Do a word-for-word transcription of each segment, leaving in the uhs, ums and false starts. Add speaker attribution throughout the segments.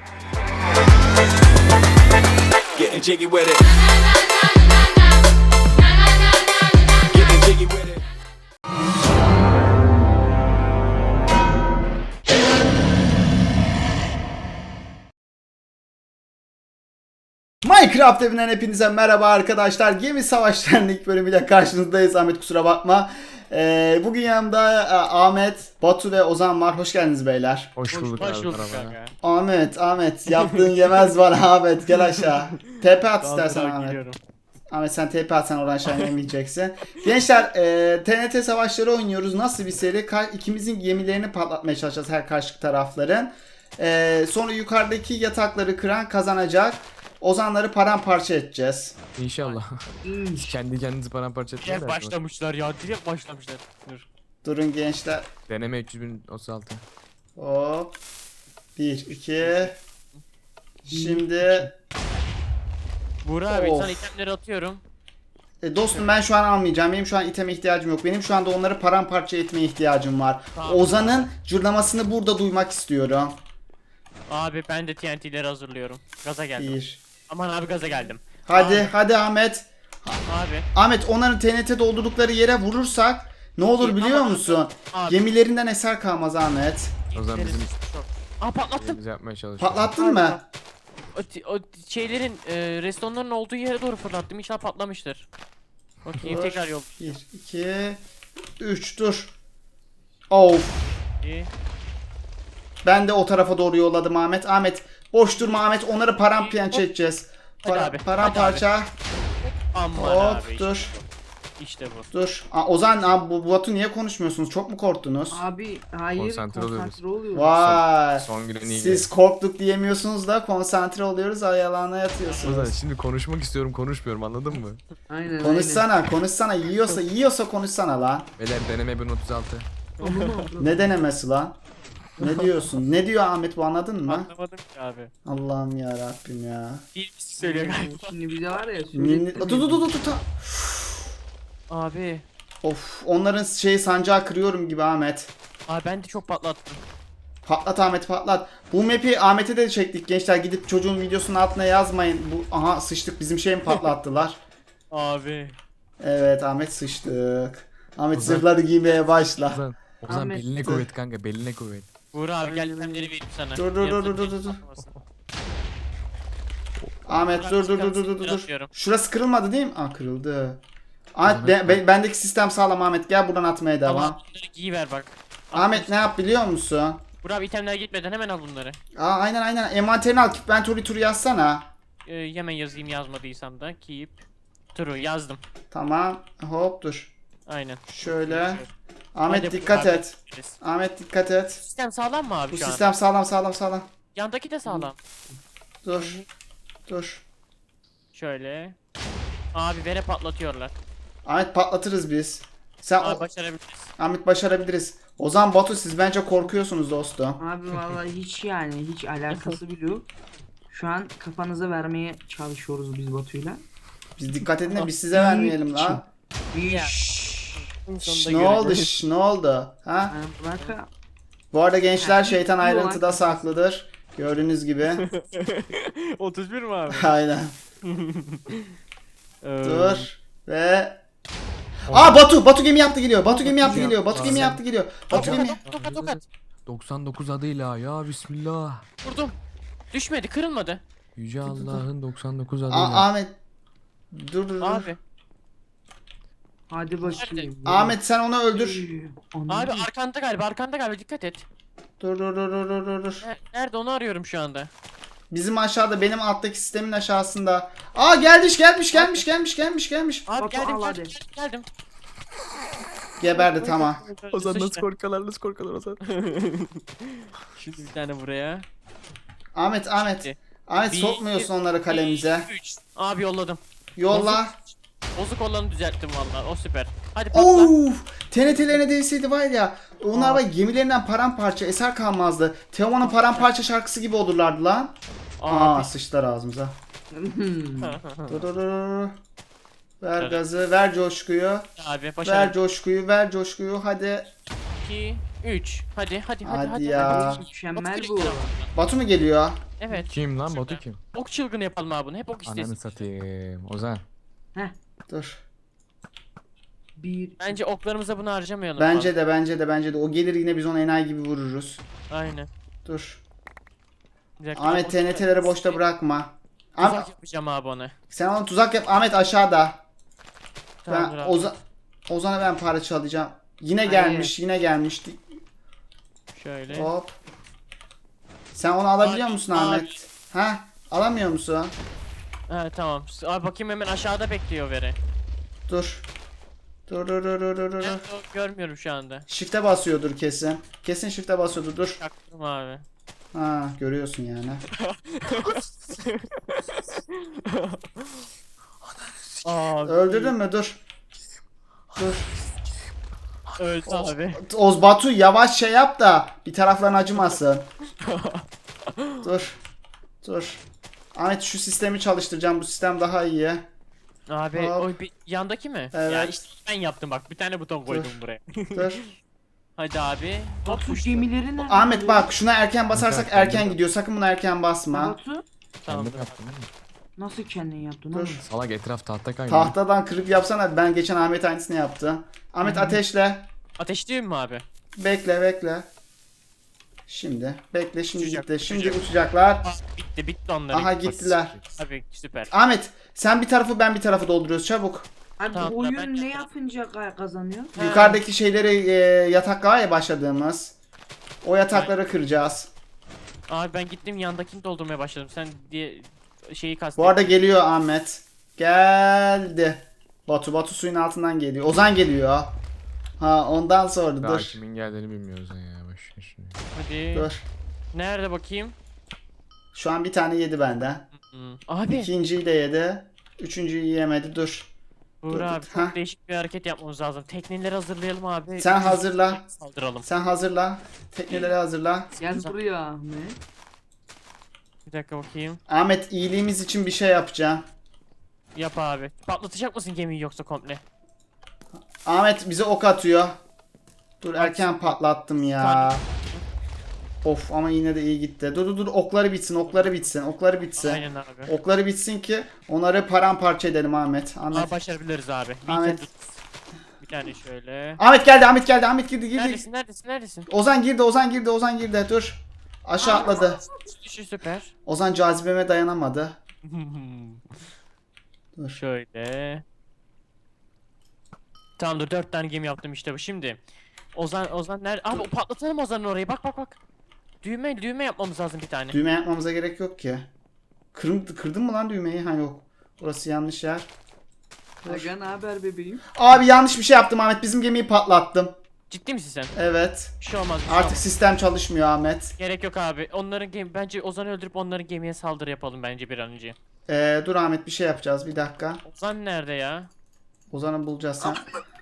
Speaker 1: Getting jiggy with it. Getting jiggy with it.
Speaker 2: Minecraft evinden hepinize merhaba arkadaşlar. Gemi Savaşları'nın ilk bölümüyle karşınızdayız. Ahmet kusura bakma. Ee, bugün yanımda e, Ahmet, Batu ve Ozan var. Hoş geldiniz beyler.
Speaker 3: Hoş bulduk
Speaker 4: Hoş
Speaker 3: abi,
Speaker 4: bulduk
Speaker 3: merhaba.
Speaker 4: kanka.
Speaker 2: Ahmet, Ahmet yaptığın yemez var Ahmet. Gel aşağı. T P at
Speaker 4: Daha
Speaker 2: istersen
Speaker 4: daha
Speaker 2: Ahmet.
Speaker 4: geliyorum.
Speaker 2: Ahmet sen T P atsan oradan aşağı yemeyeceksin. Gençler e, T N T savaşları oynuyoruz. Nasıl bir seri? Ka- ikimizin gemilerini patlatmaya çalışacağız her karşı tarafların. E, sonra yukarıdaki yatakları kıran kazanacak. Ozanları paramparça edeceğiz.
Speaker 3: İnşallah. Siz kendi kendinizi paramparça etmeyin
Speaker 4: Direkt
Speaker 3: de.
Speaker 4: başlamışlar ya. Direkt başlamışlar. Dur.
Speaker 2: Durun gençler.
Speaker 3: Deneme üç yüz bin otuz altı.
Speaker 2: Hop. Bir, iki. Şimdi
Speaker 4: Buğra abi
Speaker 2: Of.
Speaker 4: sana itemleri atıyorum.
Speaker 2: e, dostum ben şu an almayacağım. Benim şu an iteme ihtiyacım yok. Benim şu anda onları paramparça etmeye ihtiyacım var.
Speaker 4: Tamam.
Speaker 2: Ozan'ın cırlamasını burada duymak istiyorum.
Speaker 4: Abi ben de T N T'leri hazırlıyorum. Gaza geldim.
Speaker 2: Bir.
Speaker 4: Aman abi gaza geldim.
Speaker 2: Hadi,
Speaker 4: Abi.
Speaker 2: hadi Ahmet.
Speaker 4: Abi.
Speaker 2: Ahmet onların T N T doldurdukları yere vurursak ne olur
Speaker 4: İyi,
Speaker 2: biliyor
Speaker 4: tamam.
Speaker 2: musun?
Speaker 4: Abi.
Speaker 2: Gemilerinden eser kalmaz Ahmet.
Speaker 3: O zaman bizim
Speaker 4: Aa patlattım.
Speaker 3: işimizi yapmaya çalışıyoruz.
Speaker 2: Patlattın mı?
Speaker 4: O, ti- o ti- şeylerin e, restonların olduğu yere doğru fırlattım. İnşallah patlamıştır. Bakayım
Speaker 2: Dur.
Speaker 4: tekrar yol.
Speaker 2: Bir, iki, üç dur. Of.
Speaker 4: İyi.
Speaker 2: Ben de o tarafa doğru yolladım Ahmet. Ahmet boş durma Ahmet. Onları paramparça edeceğiz.
Speaker 4: Hadi
Speaker 2: Para,
Speaker 4: abi,
Speaker 2: paramparça.
Speaker 4: Aman
Speaker 2: Hop
Speaker 4: abi. Işte,
Speaker 2: dur.
Speaker 4: işte bu.
Speaker 2: Dur. Aa, Ozan abi, bu Batu niye konuşmuyorsunuz? Çok mu korktunuz?
Speaker 5: Abi hayır
Speaker 3: Konsantre
Speaker 5: konsantre,
Speaker 3: oluyoruz.
Speaker 5: oluyoruz.
Speaker 2: Vay.
Speaker 3: Son günün iyi
Speaker 2: Siz korktuk diyemiyorsunuz da konsantre oluyoruz, ayalana
Speaker 3: O zaman
Speaker 2: yatıyorsunuz.
Speaker 3: şimdi konuşmak istiyorum konuşmuyorum anladın mı?
Speaker 5: Aynen
Speaker 2: Konuşsana, konuşsana. Yiyorsa, yiyorsa konuşsana lan.
Speaker 3: Beyler deneme bin otuz altı.
Speaker 5: aynen.
Speaker 2: Ne denemesi lan? Ne diyorsun? Ne diyor Ahmet bu, anladın mı?
Speaker 4: Anlamadım ki abi.
Speaker 2: Allah'ım ya Rabbim ya.
Speaker 4: Bir söylüyor galiba.
Speaker 5: Şimdi bize var ya
Speaker 2: Ninni...
Speaker 5: söylettirmiyor.
Speaker 2: Dur dur dur dur dur.
Speaker 4: Abi.
Speaker 2: Of, onların şey sancağı kırıyorum gibi Ahmet.
Speaker 4: Abi ben de çok patlattım.
Speaker 2: Patlat Ahmet patlat. Bu map'i Ahmet'e de çektik gençler. Gidip çocuğun videosunun altına yazmayın. Bu aha sıçtık, bizim şey mi patlattılar?
Speaker 4: Abi.
Speaker 2: Evet Ahmet sıçtık. Ahmet
Speaker 3: Ozan.
Speaker 2: zırhları giymeye başla.
Speaker 3: Ozan, Ozan
Speaker 5: Ahmet,
Speaker 3: beline
Speaker 5: dur.
Speaker 3: kuvvet kanka beline kuvvet.
Speaker 4: Buğra abi gel
Speaker 5: Aynen
Speaker 4: itemleri
Speaker 5: öyle.
Speaker 4: vereyim sana.
Speaker 2: Dur, dur, dur, dur, dur, dur, dur. Ahmet dur dur dur dur dur dur.
Speaker 4: Atıyorum.
Speaker 2: Şurası kırılmadı değil mi? Aa kırıldı. Ahmet be- be- bendeki sistem sağlam Ahmet. Gel buradan atmaya devam.
Speaker 4: Tamam bunları giyiver bak.
Speaker 2: Ahmet ne yap biliyor musun?
Speaker 4: Buğra abi itemler gitmeden hemen al bunları.
Speaker 2: Aa aynen aynen. Envanterini al. Inventory turu yazsana.
Speaker 4: Ee, hemen yazayım yazmadıysam da. Keep. True yazdım.
Speaker 2: Tamam. Hop dur.
Speaker 4: Aynen.
Speaker 2: Şöyle. Ahmet
Speaker 4: Hadi
Speaker 2: dikkat
Speaker 4: Buğra abi.
Speaker 2: et. Ahmet dikkat et.
Speaker 4: Sistem sağlam mı abi
Speaker 2: Bu
Speaker 4: şu an?
Speaker 2: sistem sağlam sağlam sağlam.
Speaker 4: Yandaki de sağlam.
Speaker 2: Dur. Dur.
Speaker 4: Şöyle. Abi vere patlatıyorlar.
Speaker 2: Ahmet patlatırız biz. Sen
Speaker 4: Abi
Speaker 2: o-
Speaker 4: başarabiliriz.
Speaker 2: Ahmet başarabiliriz. Ozan Batu siz bence korkuyorsunuz dostum.
Speaker 5: Abi vallahi hiç yani hiç alakası bile yok. Şu an kafanıza vermeye çalışıyoruz biz Batu'yla.
Speaker 2: Biz dikkat edin de biz size vermeyelim lan.
Speaker 4: Ya.
Speaker 5: Şşş.
Speaker 2: Şş, ne oldu şş, ne oldu? Ha?
Speaker 5: Yani bırak.
Speaker 2: Bu arada gençler şeytan
Speaker 5: Yok.
Speaker 2: ayrıntıda saklıdır. Gördüğünüz gibi.
Speaker 4: otuz bir mi abi?
Speaker 2: Aynen.
Speaker 4: Ee,
Speaker 2: Dur. Ve... Aa Batu! Batu gemi yaptı geliyor. Batu gemi yaptı geliyor. Batu gemi
Speaker 3: Sen-
Speaker 2: yaptı geliyor. Batu gemi...
Speaker 4: Tokat tokat tokat.
Speaker 3: doksan dokuz adıyla ya bismillah.
Speaker 4: Vurdum. Düşmedi kırılmadı.
Speaker 3: Yüce Allah'ın doksan dokuz
Speaker 2: Aa,
Speaker 3: adıyla.
Speaker 2: Ahmet. Dur dur dur.
Speaker 4: Abi.
Speaker 5: Hadi bakayım.
Speaker 2: Ahmet sen onu öldür.
Speaker 4: Abi arkanda galiba arkanda galiba dikkat et.
Speaker 2: Dur dur dur dur dur dur, dur.
Speaker 4: Ne- Nerede onu arıyorum şu anda.
Speaker 2: Bizim aşağıda, benim alttaki sistemin aşağısında. Aa gelmiş gelmiş gelmiş gelmiş gelmiş gelmiş.
Speaker 4: Abi
Speaker 5: Batu,
Speaker 4: geldim
Speaker 5: al
Speaker 4: geldim,
Speaker 5: hadi.
Speaker 4: geldim geldim.
Speaker 2: Geberdi tamam.
Speaker 3: Ozan nasıl
Speaker 4: Sıçtı.
Speaker 3: korkalar nasıl korkalar Ozan.
Speaker 4: Şimdi bir tane buraya.
Speaker 2: Ahmet Ahmet.
Speaker 4: Şimdi.
Speaker 2: Ahmet
Speaker 4: Bir,
Speaker 2: sokmuyorsun onları kalemize.
Speaker 4: bir, üç. Abi yolladım.
Speaker 2: Yolla.
Speaker 4: Bozuk olanı düzelttim valla. O süper. Hadi patla.
Speaker 2: Of! T N T'lerine değseydi var ya. Onlar var ya, gemilerinden paramparça eser kalmazdı. Teoman'ın paramparça şarkısı gibi olurlardı lan. Aa
Speaker 4: Abi.
Speaker 2: sıçtılar ağzımıza.
Speaker 5: Hmm.
Speaker 2: Dur dur dur. Ver gazı, ver coşkuyu.
Speaker 4: Abi
Speaker 2: Ver
Speaker 4: başarı.
Speaker 2: coşkuyu, ver coşkuyu. Hadi.
Speaker 4: iki, üç. Hadi hadi hadi.
Speaker 2: Hadi
Speaker 4: hadi.
Speaker 2: ya.
Speaker 4: hadi.
Speaker 5: Mükemmel
Speaker 4: Batu
Speaker 5: bu.
Speaker 4: direkt
Speaker 2: Batu mu geliyor?
Speaker 4: Evet.
Speaker 3: Kim lan
Speaker 4: Şurada.
Speaker 3: Batu kim?
Speaker 4: Ok çılgını yapalım abi bunu. Hep ok istesin.
Speaker 3: Ananı satayım. Ozan.
Speaker 2: Dur.
Speaker 5: Bir.
Speaker 4: Bence oklarımıza bunu harcamayalım.
Speaker 2: Bence de bence de bence de. O gelir yine biz onu enayi gibi vururuz.
Speaker 4: fazla. Aynen.
Speaker 2: Dur.
Speaker 4: Bir dakika,
Speaker 2: Ahmet
Speaker 4: ok-
Speaker 2: T N T'leri boşta bırakma. Ahmet,
Speaker 4: Tuzak yapacağım abi ona.
Speaker 2: sen ona tuzak yap. Ahmet aşağıda.
Speaker 4: Tamamdır
Speaker 2: Ben
Speaker 4: abi.
Speaker 2: Ozan Ozan'a ben para çalacağım. Yine
Speaker 5: Hayır.
Speaker 2: gelmiş, yine gelmişti.
Speaker 4: Şöyle.
Speaker 2: Hop. Sen onu alabiliyor
Speaker 4: Abi,
Speaker 2: musun
Speaker 4: abi.
Speaker 2: Ahmet? Ha? Alamıyor musun?
Speaker 4: Ha tamam. Abi bakayım hemen aşağıda bekliyor veri.
Speaker 2: Dur. Dur dur dur dur dur dur.
Speaker 4: Ben de görmüyorum şu anda.
Speaker 2: Shift'e basıyordur kesin. Kesin shift'e basıyordur. Dur.
Speaker 4: Çaktım abi.
Speaker 2: Ha, görüyorsun yani.
Speaker 4: Abi.
Speaker 2: Öldürdün mü? Dur. Dur.
Speaker 4: Öldü abi.
Speaker 2: Oz Batu yavaş şey yap da bir tarafların acımasın. Dur. Dur. Ahmet şu sistemi çalıştıracağım. Bu sistem daha iyi.
Speaker 4: Abi
Speaker 2: Hop.
Speaker 4: o bir yandaki mi?
Speaker 2: Evet.
Speaker 4: Ya işte ben yaptım bak. Bir tane buton koydum buraya.
Speaker 2: Dur.
Speaker 4: Hadi abi. Hop
Speaker 5: Batu
Speaker 4: uçtu.
Speaker 5: gemileri nerede?
Speaker 2: Ahmet bak şuna erken basarsak
Speaker 3: Erken
Speaker 2: erken
Speaker 3: değil mi?
Speaker 2: gidiyor. Sakın buna erken basma.
Speaker 5: Batu
Speaker 4: Tamam.
Speaker 3: Kendim yaptım değil mi?
Speaker 5: nasıl kendin yaptın
Speaker 2: Dur.
Speaker 5: oğlum?
Speaker 3: Salak etraf tahta kaynıyor.
Speaker 2: Tahtadan kırıp yapsana. Ben geçen Ahmet aynısını yaptı. Ahmet ateşle.
Speaker 4: Ateşliyim mi abi?
Speaker 2: Bekle bekle. Şimdi. Bekle şimdi
Speaker 4: Uçacak,
Speaker 2: gitti. Şimdi
Speaker 4: uçacak.
Speaker 2: uçacaklar.
Speaker 4: Aa, bitti bitti onların.
Speaker 2: Aha gittiler.
Speaker 4: Abi süper.
Speaker 2: Ahmet sen bir tarafı ben bir tarafı dolduruyoruz çabuk.
Speaker 5: Abi
Speaker 4: Tamam,
Speaker 5: bu
Speaker 4: ben
Speaker 5: oyun ne
Speaker 4: yapacağım.
Speaker 5: yapınca ka- kazanıyor?
Speaker 4: Ha.
Speaker 2: Yukarıdaki şeyleri e, yatak var ya başladığımız. O yatakları kıracağız.
Speaker 4: Abi ben gittim yandakini doldurmaya başladım. Sen diye şeyi kastettin.
Speaker 2: Bu arada geliyor Ahmet. Geldi. Batu Batu suyun altından geliyor. Ozan geliyor. Ha ondan sonra
Speaker 3: Daha
Speaker 2: dur.
Speaker 3: kimin geldiğini bilmiyoruz ya. Boş ver şunu.
Speaker 4: Hadi.
Speaker 2: Dur.
Speaker 4: Nerede bakayım?
Speaker 2: Şu an bir tane yedi benden.
Speaker 4: Hmm. Abi.
Speaker 2: İkinciyi de yedi. Üçüncüyü yiyemedi. Dur.
Speaker 4: Uğur
Speaker 2: dur,
Speaker 4: abi
Speaker 2: dur.
Speaker 4: çok
Speaker 2: Ha.
Speaker 4: değişik bir hareket yapmamız lazım. Tekneleri hazırlayalım abi.
Speaker 2: Sen hazırla.
Speaker 4: Saldıralım.
Speaker 2: Sen hazırla. Tekneleri hazırla.
Speaker 5: Gel buraya Ahmet.
Speaker 4: Bir dakika bakayım.
Speaker 2: Ahmet iyiliğimiz için bir şey yapacağım.
Speaker 4: Yap abi. Patlatacak mısın gemiyi yoksa komple?
Speaker 2: Ahmet bize ok atıyor. Dur erken patlattım ya. Of ama yine de iyi gitti. Dur dur dur okları bitsin okları bitsin okları bitsin.
Speaker 4: Aynen abi.
Speaker 2: Okları bitsin ki onları paramparça edelim Ahmet. Ahmet.
Speaker 4: Aa, başarabiliriz abi. We
Speaker 2: Ahmet.
Speaker 4: can do this. Bir tane şöyle.
Speaker 2: Ahmet geldi Ahmet geldi Ahmet girdi girdi.
Speaker 4: Neredesin neredesin neredesin?
Speaker 2: Ozan girdi Ozan girdi Ozan girdi dur. Aşağı atladı.
Speaker 4: Düşü süper.
Speaker 2: Ozan cazibeme dayanamadı. Dur.
Speaker 4: Şöyle. Tamamdır dört tane gemi yaptım işte bu. Şimdi Ozan Ozan nerede? Abi o patlatalım Ozan'ın orayı. Bak bak bak. Düğme düğme yapmamız lazım bir tane.
Speaker 2: Düğme yapmamıza gerek yok ki. Kırın, kırdın mı lan düğmeyi? Ha yok. Burası yanlış yer. Dur.
Speaker 5: Aga ne haber bebeğim?
Speaker 2: Abi yanlış bir şey yaptım Ahmet. Bizim gemiyi patlattım.
Speaker 4: Ciddi misin sen?
Speaker 2: Evet.
Speaker 4: Bir şey olmaz. Bir şey
Speaker 2: Artık
Speaker 4: olmaz.
Speaker 2: sistem çalışmıyor Ahmet.
Speaker 4: Gerek yok abi. Onların gemi bence Ozan'ı öldürüp onların gemiye saldırı yapalım bence bir an önce.
Speaker 2: Ee, dur Ahmet bir şey yapacağız. Bir dakika.
Speaker 4: Ozan nerede ya?
Speaker 2: Ozan'ı bulacağız sen.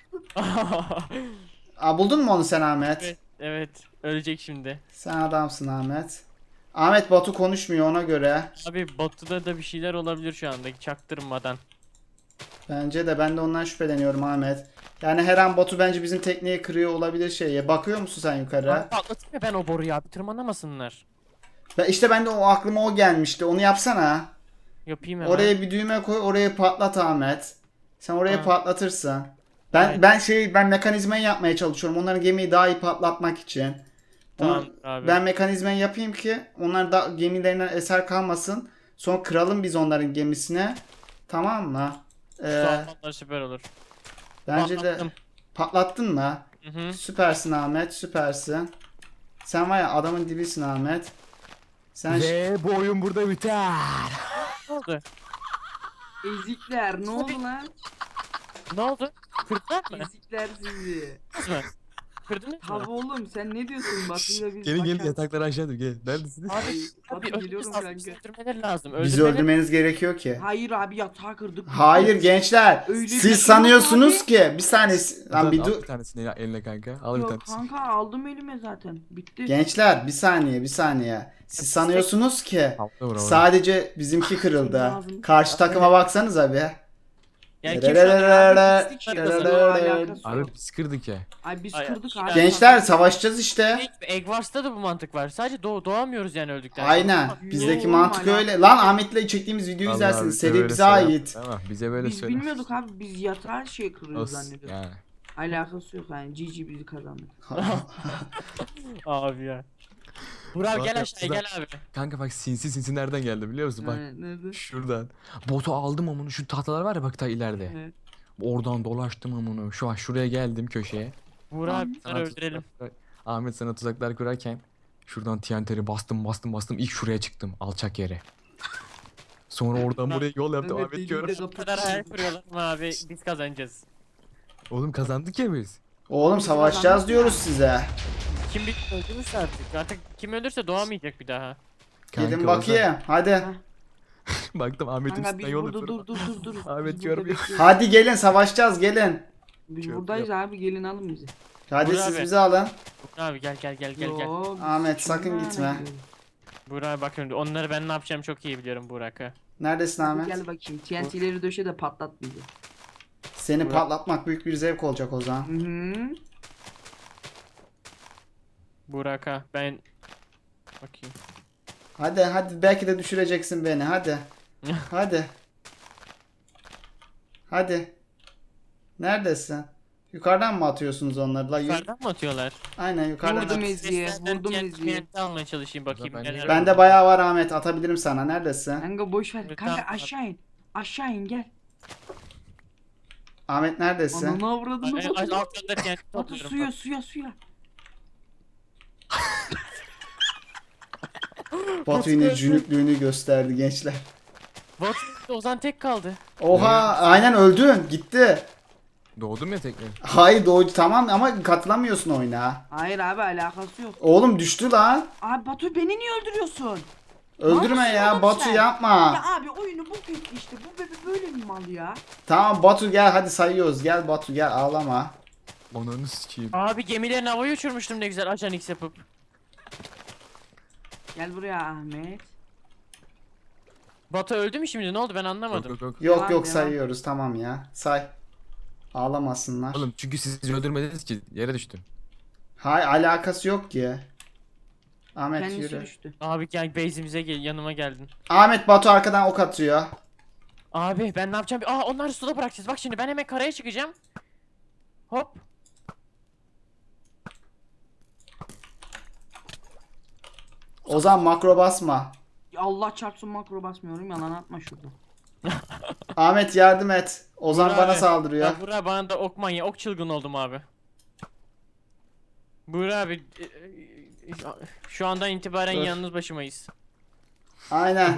Speaker 2: Aa, buldun mu onu sen Ahmet?
Speaker 4: Evet, evet. Ölecek şimdi.
Speaker 2: Sen adamsın Ahmet. Ahmet Batu konuşmuyor ona göre.
Speaker 4: Abi Batu'da da bir şeyler olabilir şu anda çaktırmadan.
Speaker 2: Bence de ben de ondan şüpheleniyorum Ahmet. Yani her an Batu bence bizim tekneyi kırıyor olabilir şeye. Bakıyor musun sen yukarı?
Speaker 4: Abi patlatayım ya ben o boruyu abi tırmanamasınlar.
Speaker 2: Ben, işte ben de o aklıma o gelmişti. Onu yapsana.
Speaker 4: Yapayım hemen.
Speaker 2: Oraya bir düğme koy, oraya patlat Ahmet. Sen oraya
Speaker 4: Ha.
Speaker 2: patlatırsın. Ben
Speaker 4: Evet.
Speaker 2: ben şey ben mekanizmayı yapmaya çalışıyorum. Onların gemiyi daha iyi patlatmak için.
Speaker 4: Tamam
Speaker 2: Onu-
Speaker 4: abi.
Speaker 2: Ben mekanizmayı yapayım ki onlar da gemilerinden eser kalmasın. Sonra kıralım biz onların gemisine. Tamam mı? Ee,
Speaker 4: Soğanlar süper olur.
Speaker 2: bence de
Speaker 4: Patlattım.
Speaker 2: patlattın mı?
Speaker 4: Hı hı.
Speaker 2: Süpersin Ahmet, süpersin. Sen var ya adamın dibisin Ahmet. Sen
Speaker 3: Ve bu oyun burada biter.
Speaker 4: Ne oldu?
Speaker 5: Ezikler ne oldu lan?
Speaker 4: Ne oldu? Kırdılar mı?
Speaker 5: Ezikler sizi.
Speaker 4: Kız mı? Kırdınız mı?
Speaker 5: Tabi oğlum sen ne diyorsun Batu'yla biz
Speaker 3: Gelin gelin
Speaker 5: başa-
Speaker 3: yatakları aşağı dur gel. Neredesiniz?
Speaker 4: Abi,
Speaker 5: Batu
Speaker 4: abi öldürmeniz
Speaker 5: geliyorum
Speaker 4: lazım.
Speaker 5: kanka.
Speaker 4: bizi Öldürmeleri lazım.
Speaker 2: bizi
Speaker 4: Öldürmeleri-
Speaker 2: öldürmeniz gerekiyor ki.
Speaker 5: Hayır abi yatağı kırdık.
Speaker 2: Hayır gençler.
Speaker 5: Öyle bir şey
Speaker 2: Siz
Speaker 5: yok
Speaker 2: sanıyorsunuz
Speaker 5: abi.
Speaker 2: ki bir saniye lan
Speaker 3: Ozan,
Speaker 2: bir
Speaker 3: al
Speaker 2: dur.
Speaker 3: bir tanesini ya- eline kanka. Al bir
Speaker 5: Yok
Speaker 3: tanesini.
Speaker 5: kanka aldım elime zaten. Bitti.
Speaker 2: Gençler bir saniye bir saniye. Siz sanıyorsunuz ki
Speaker 3: Al da vur, vur.
Speaker 2: sadece bizimki kırıldı.
Speaker 5: Lazım.
Speaker 2: Karşı takıma baksanız abi.
Speaker 4: Yani kim şu an
Speaker 2: Dererere,
Speaker 5: Pislik
Speaker 2: dererere.
Speaker 5: alakası
Speaker 3: Abi
Speaker 5: yok.
Speaker 3: biz kırdık ya.
Speaker 5: Ay biz
Speaker 4: Ay,
Speaker 5: kırdık
Speaker 4: ay.
Speaker 5: abi.
Speaker 2: Gençler savaşacağız işte.
Speaker 4: Egg Wars'ta da bu mantık var. Sadece doğ doğamıyoruz yani öldükten sonra.
Speaker 2: Aynen. Bizdeki
Speaker 5: Oğlum,
Speaker 2: mantık
Speaker 5: hala.
Speaker 2: öyle. Lan Ahmet'le çektiğimiz videoyu
Speaker 3: Vallahi
Speaker 2: izlersiniz.
Speaker 3: bize
Speaker 2: Seri
Speaker 3: böyle
Speaker 2: bize
Speaker 3: söyle.
Speaker 2: ait.
Speaker 3: Tamam bize böyle
Speaker 5: Biz
Speaker 3: söyle.
Speaker 5: bilmiyorduk abi biz yatağı şey kırıyoruz
Speaker 3: Olsun,
Speaker 5: zannediyorduk.
Speaker 3: yani.
Speaker 5: Alakası yok yani G G bizi kazandık.
Speaker 4: Abi ya. Burak
Speaker 3: Bak,
Speaker 4: gel aşağıya
Speaker 3: bak.
Speaker 4: gel abi.
Speaker 3: Kanka bak sinsi sinsi nereden geldi biliyor musun? Bak
Speaker 5: Evet, nerede?
Speaker 3: şuradan. Botu aldım amını şu tahtalar var ya bak ta ileride.
Speaker 5: Evet.
Speaker 3: Oradan dolaştım amını. Şu an şuraya geldim köşeye.
Speaker 4: Burak abi
Speaker 3: Sana
Speaker 4: bunları öldürelim.
Speaker 3: tuzaklar- Ahmet sana tuzaklar kurarken şuradan T N T'leri bastım bastım bastım ilk şuraya çıktım alçak yere. Sonra oradan buraya yol yaptım
Speaker 5: Evet,
Speaker 3: Ahmet
Speaker 5: deliği
Speaker 3: gör.
Speaker 5: de
Speaker 4: Bu kadar hayal
Speaker 5: kapatıyoruz.
Speaker 4: kuruyorlar ama abi biz kazanacağız.
Speaker 3: Oğlum kazandık ya biz.
Speaker 2: Oğlum savaşacağız diyoruz size.
Speaker 4: Kim bir öldürürse artık. Artık kim ölürse doğamayacak bir daha.
Speaker 2: Gelin
Speaker 3: Kanka,
Speaker 2: bakayım. Hadi.
Speaker 3: Ozan- Baktım Ahmet'in
Speaker 5: Kanka
Speaker 3: üstünden
Speaker 5: biz
Speaker 3: yol
Speaker 5: burada
Speaker 3: yapıyorum.
Speaker 5: dur dur dur dur.
Speaker 3: Ahmet
Speaker 5: Biz burada
Speaker 3: görmüyor.
Speaker 5: bekliyoruz.
Speaker 2: Hadi gelin savaşacağız gelin.
Speaker 5: Biz
Speaker 3: Çok
Speaker 5: buradayız abi gelin alın bizi.
Speaker 2: Hadi
Speaker 4: Burak
Speaker 2: siz
Speaker 4: abi.
Speaker 2: bizi alın.
Speaker 4: Burak abi gel gel gel gel gel.
Speaker 5: Yo, biz
Speaker 2: Ahmet,
Speaker 5: kimden
Speaker 2: sakın gitme.
Speaker 5: bekliyoruz?
Speaker 4: Burak abi bak şimdi onları ben ne yapacağım çok iyi biliyorum Burak'ı.
Speaker 2: Neredesin
Speaker 5: Hadi
Speaker 2: Ahmet?
Speaker 5: gel bakayım T N T'leri döşe de patlat bizi.
Speaker 2: Seni
Speaker 4: Burak.
Speaker 2: patlatmak büyük bir zevk olacak o zaman.
Speaker 5: Hı hı.
Speaker 4: Burak'a ben bakayım.
Speaker 2: Hadi hadi belki de düşüreceksin beni hadi. Hadi. Hadi. Neredesin? Yukarıdan mı atıyorsunuz onları? La, yürü.
Speaker 4: Yukarıdan mı atıyorlar?
Speaker 2: Aynen yukarıdan.
Speaker 5: Vurdum
Speaker 2: at.
Speaker 5: Ezgi'ye,
Speaker 4: Seslerden
Speaker 5: vurdum
Speaker 4: T N T
Speaker 5: Ezgi'ye.
Speaker 4: T N T almaya çalışayım bakayım.
Speaker 3: Ben de-
Speaker 4: neler
Speaker 2: Bende
Speaker 4: var.
Speaker 2: bayağı var Ahmet. Atabilirim sana. Neredesin?
Speaker 5: Kanka boş ver.
Speaker 4: Evet,
Speaker 5: Kanka
Speaker 4: tamam.
Speaker 5: aşağı in. Aşağı in gel.
Speaker 2: Ahmet neredesin?
Speaker 5: Ananı avradını
Speaker 4: Ay, ay,
Speaker 5: Batu.
Speaker 4: altlarında T N T
Speaker 5: Batu
Speaker 4: topluyorum.
Speaker 5: suya suya suya.
Speaker 2: Batu yine cünüplüğünü gösterdi gençler.
Speaker 4: Bot Ozan tek kaldı.
Speaker 2: Oha aynen öldün. Gitti.
Speaker 3: Doğdum ya tekrar.
Speaker 2: Hayır doğru tamam ama katılamıyorsun oyuna.
Speaker 5: Hayır abi alakası yok.
Speaker 2: Oğlum düştü lan.
Speaker 5: Abi Batu beni niye öldürüyorsun?
Speaker 2: Öldürme
Speaker 5: Malsın
Speaker 2: ya
Speaker 5: oğlum
Speaker 2: Batu
Speaker 5: sen.
Speaker 2: yapma.
Speaker 5: Ya abi oyunu bu kötü işte. Bu bebe böyle mi mal ya?
Speaker 2: Tamam Batu gel hadi sayıyoruz. Gel Batu gel ağlama.
Speaker 3: Ananı sikeyim.
Speaker 4: Abi gemilerini havaya uçurmuştum ne güzel ajan X yapıp.
Speaker 5: Gel buraya Ahmet.
Speaker 4: Batu öldü mü şimdi ne oldu ben
Speaker 3: Yok
Speaker 4: anlamadım.
Speaker 3: yok yok.
Speaker 2: Yok
Speaker 5: Devam,
Speaker 2: yok
Speaker 5: devam.
Speaker 2: sayıyoruz tamam ya. Say. Ağlamasınlar.
Speaker 3: Oğlum çünkü siz öldürmediniz ki yere düştüm.
Speaker 2: Hay alakası yok ki. Ahmet
Speaker 5: Kendisi
Speaker 2: yürü.
Speaker 5: düştü.
Speaker 4: Abi gel base'imize gel yanıma geldin.
Speaker 2: Ahmet Batu arkadan ok atıyor.
Speaker 4: Abi ben ne yapacağım? Aa onları suda bırakacağız. Bak şimdi ben hemen karaya çıkacağım. Hop.
Speaker 2: Ozan makro basma.
Speaker 5: Ya Allah çarpsın makro basmıyorum yalan atma şurada.
Speaker 2: Ahmet yardım et. Ozan
Speaker 4: Burak
Speaker 2: bana
Speaker 4: abi.
Speaker 2: saldırıyor.
Speaker 4: Ya Burak bana da ok manya, ok çılgın oldum abi. Burak abi e, e, şu andan itibaren
Speaker 2: Dur.
Speaker 4: yalnız başımayız.
Speaker 2: Aynen.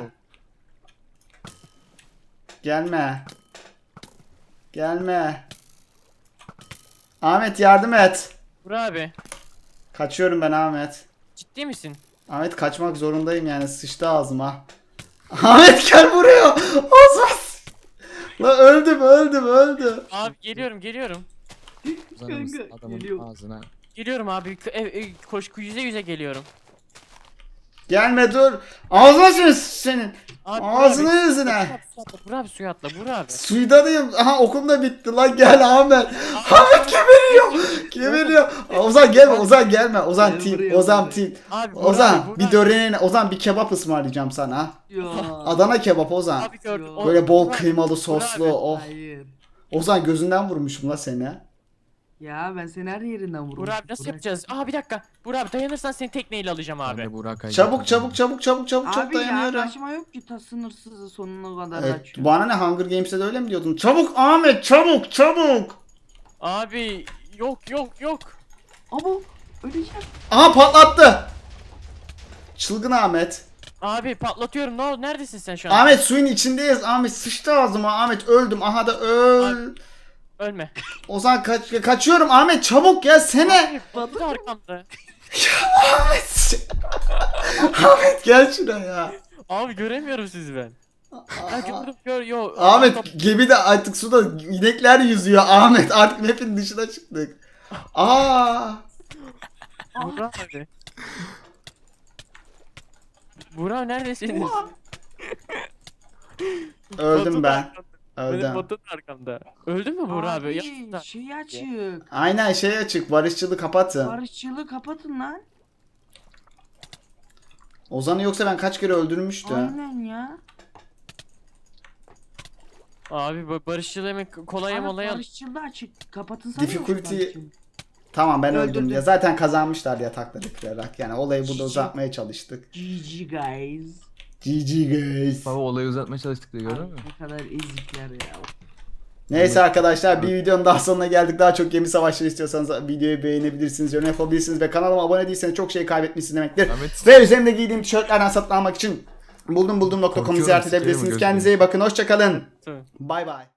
Speaker 2: Gelme. Gelme. Ahmet yardım et.
Speaker 4: Burak abi
Speaker 2: Kaçıyorum ben Ahmet.
Speaker 4: ciddi misin?
Speaker 2: Ahmet kaçmak zorundayım yani sıçtı ağzıma. Ahmet gel buraya. Ozan. La öldüm öldüm öldüm.
Speaker 4: Abi geliyorum geliyorum.
Speaker 3: Uzanır
Speaker 5: Kanka,
Speaker 3: adamın
Speaker 5: geliyor.
Speaker 3: ağzına.
Speaker 4: Geliyorum abi. K- e, e, koş yüze yüze geliyorum.
Speaker 2: Gelme dur. Ağzına sür senin.
Speaker 4: Abi,
Speaker 2: Ağzına
Speaker 4: Burak abi,
Speaker 2: yüzüne.
Speaker 4: Burak abi suya atla Burak abi.
Speaker 2: Suydanıyım. Aha okum da bitti lan gel Ahmet. Ahmet geberiyor. Geberiyor. Ozan gelme Ozan gelme. Ozan
Speaker 5: Gel
Speaker 2: team.
Speaker 5: buraya,
Speaker 2: Ozan
Speaker 5: buraya.
Speaker 2: team.
Speaker 4: Abi Burak abi,
Speaker 2: Ozan
Speaker 4: Burak
Speaker 2: bir
Speaker 4: abi.
Speaker 2: döneğine Ozan bir kebap ısmarlayacağım sana.
Speaker 5: Ya.
Speaker 2: Adana kebap Ozan.
Speaker 4: Abi gördüm.
Speaker 5: Yo.
Speaker 4: O-
Speaker 2: Böyle bol
Speaker 4: Burak-
Speaker 2: kıymalı soslu.
Speaker 4: abi.
Speaker 2: Oh.
Speaker 5: Hayır.
Speaker 2: Ozan gözünden vurmuşum la seni.
Speaker 5: Ya ben seni her yerinden vururum.
Speaker 4: Burak abi nasıl yapacağız? Aa bir dakika. Burak abi dayanırsan seni tekneyle alacağım
Speaker 3: Ben
Speaker 4: abi.
Speaker 3: de Burak Aycı
Speaker 2: Çabuk
Speaker 3: yapacağım.
Speaker 2: çabuk çabuk çabuk çabuk çok
Speaker 5: Abi ya
Speaker 2: dayanıyorum.
Speaker 5: kaçma yok ki ta sınırsızı sonuna kadar
Speaker 2: Evet,
Speaker 5: açıyor.
Speaker 2: bana ne Hunger Games'te de öyle mi diyordun? Çabuk Ahmet çabuk çabuk.
Speaker 4: Abi yok yok yok.
Speaker 5: Abo öleceğim.
Speaker 2: Aha patlattı. Çılgın Ahmet.
Speaker 4: Abi patlatıyorum. Ne oldu? Neredesin sen şu an?
Speaker 2: Ahmet suyun içindeyiz. Ahmet sıçtı ağzıma. Ahmet öldüm. Aha da öl.
Speaker 4: Ölme.
Speaker 2: Ozan kaç kaçıyorum. Ahmet çabuk gelsene.
Speaker 4: Batu da arkamda.
Speaker 2: Ahmet. Ahmet gel şuraya.
Speaker 4: Abi göremiyorum sizi ben. Ha gördüm gör yo.
Speaker 2: Ahmet gemide artık suda inekler yüzüyor. Ahmet artık map'in dışına çıktık. Aa.
Speaker 4: Burak abi. Burak neredesiniz?
Speaker 2: Öldüm
Speaker 4: Batu da
Speaker 2: ben.
Speaker 4: arkamda.
Speaker 2: Öldü.
Speaker 4: Benim botum da arkamda. Öldü mü Buğra abi?
Speaker 5: Abi
Speaker 4: Yapma.
Speaker 5: şey açık.
Speaker 2: Aynen şey açık. Barışçılı kapatın.
Speaker 5: Barışçılığı kapatın lan.
Speaker 2: Ozan'ı yoksa ben kaç kere öldürmüştüm.
Speaker 5: Aynen ya.
Speaker 4: Abi bu barışçıl hemen kolaya
Speaker 5: Abi
Speaker 4: molaya.
Speaker 5: barışçılığı açık. Kapatın sana.
Speaker 2: Difficulty- Tamam ben öldüm
Speaker 5: Öldürdüm.
Speaker 2: ya. Zaten kazanmışlar yatakları kırarak. Yani olayı burada
Speaker 5: Cici.
Speaker 2: uzatmaya çalıştık.
Speaker 5: G G guys.
Speaker 2: G G guys.
Speaker 3: Baba olayı uzatmaya çalıştık da gördün
Speaker 5: Abi
Speaker 3: mü?
Speaker 5: ne kadar ezikler ya.
Speaker 2: Neyse arkadaşlar bir videonun daha sonuna geldik. Daha çok gemi savaşları istiyorsanız videoyu beğenebilirsiniz, yorum yapabilirsiniz ve kanalıma abone değilseniz çok şey kaybetmişsiniz demektir.
Speaker 3: Ahmet.
Speaker 2: Ve üzerimde giydiğim tişörtlerden satın almak için buldum buldum nokta com'u
Speaker 3: Korkuyorum,
Speaker 2: ziyaret
Speaker 3: sikerim
Speaker 2: edebilirsiniz.
Speaker 3: gözünü.
Speaker 2: Kendinize iyi bakın. Hoşçakalın.
Speaker 4: Tamam.
Speaker 2: Bay bay.